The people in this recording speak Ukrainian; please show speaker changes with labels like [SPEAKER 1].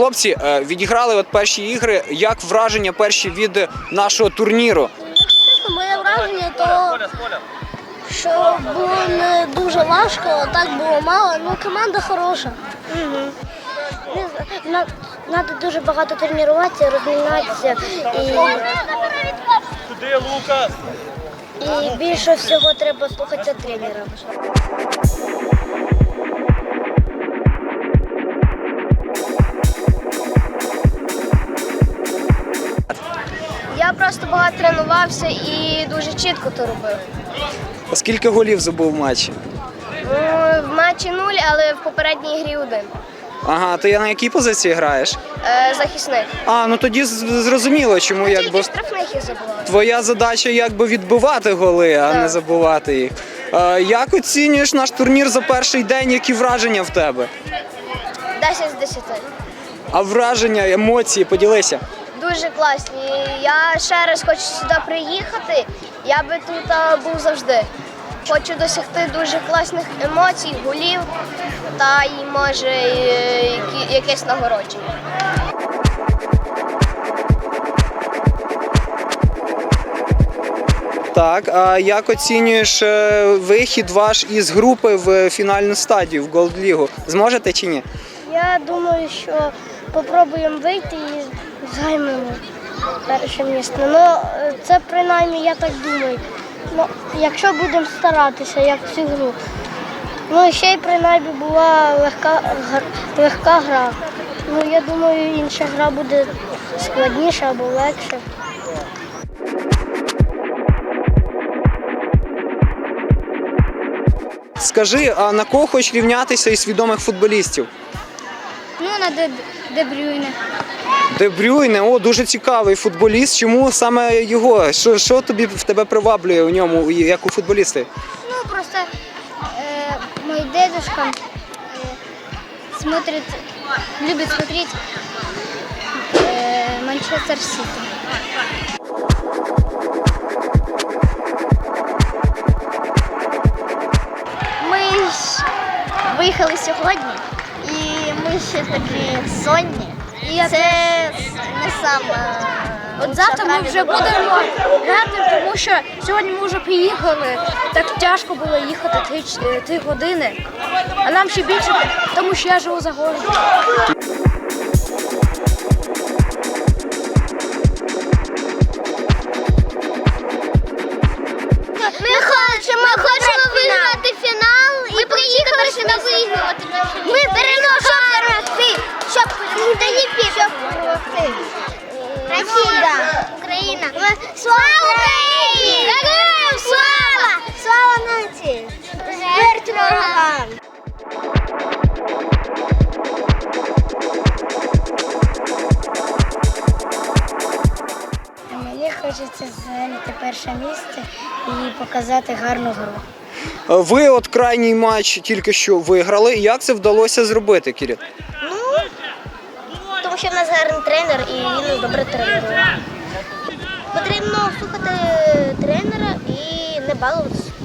[SPEAKER 1] Хлопці, відіграли от перші ігри. Як враження перші від нашого турніру?
[SPEAKER 2] Моє враження, то що було не дуже важко, так було мало, ну команда хороша. Треба дуже багато тренуватися, розмінатися і більше всього треба слухатися тренера. Я просто багато тренувався і дуже чітко то робив.
[SPEAKER 1] А скільки голів забув в матчі?
[SPEAKER 2] В матчі 0, але в попередній грі 1.
[SPEAKER 1] Ага, ти на якій позиції граєш?
[SPEAKER 2] Захисник.
[SPEAKER 1] Ну тоді зрозуміло, чому якби
[SPEAKER 2] Штрафних я забуваю.
[SPEAKER 1] твоя задача якби відбивати голи, а не забивати їх. Як оцінюєш наш турнір за перший день? Які враження в тебе?
[SPEAKER 2] 10 з 10.
[SPEAKER 1] А враження, емоції, поділися.
[SPEAKER 2] Дуже класні. Я ще раз хочу сюди приїхати, я би тут був завжди. Хочу досягти дуже класних емоцій, голів та й може якесь нагородження.
[SPEAKER 1] Так, а як оцінюєш вихід ваш із групи в фінальну стадію, в Голд-лігу? Зможете чи ні?
[SPEAKER 2] Я думаю, що спробуємо вийти і займемо перше місце. Ну, це принаймні я так думаю. Ну, якщо будемо старатися, як всю гру. Ну і ще й принаймні була легка гра. Ну, я думаю, інша гра буде складніша або легша.
[SPEAKER 1] Скажи, а на кого хочеш рівнятися із відомих футболістів?
[SPEAKER 2] Ну, на Де Брюйне.
[SPEAKER 1] Де Брюйне, дуже цікавий футболіст. Чому саме його? Що тобі в тебе приваблює у ньому, як у футболісти?
[SPEAKER 2] Ну, просто мой дедушка любит смотреть Манчестер Сити. Ми виїхали сьогодні, і ми ще такі сонні. Це не саме.
[SPEAKER 3] От завтра ми вже будемо грати, тому що сьогодні ми вже приїхали. Так тяжко було їхати 3 години, а нам ще більше, тому що я живу за городом.
[SPEAKER 2] Ми хочемо виграти фінал і приїхали сюди виграти. Ми переможемо перемогти, щоб перемогти. Росія, Україна. Слава Україні! Героям слава! Слава нації! Смерть ворогам! Мені хочеться зайняти перше місце і показати гарну гру.
[SPEAKER 1] Ви от крайній матч тільки що виграли. Як це вдалося зробити, Кирил?
[SPEAKER 2] Тому що в нас гарний тренер і він добре тренує. Потрібно слухати тренера і не балуватися.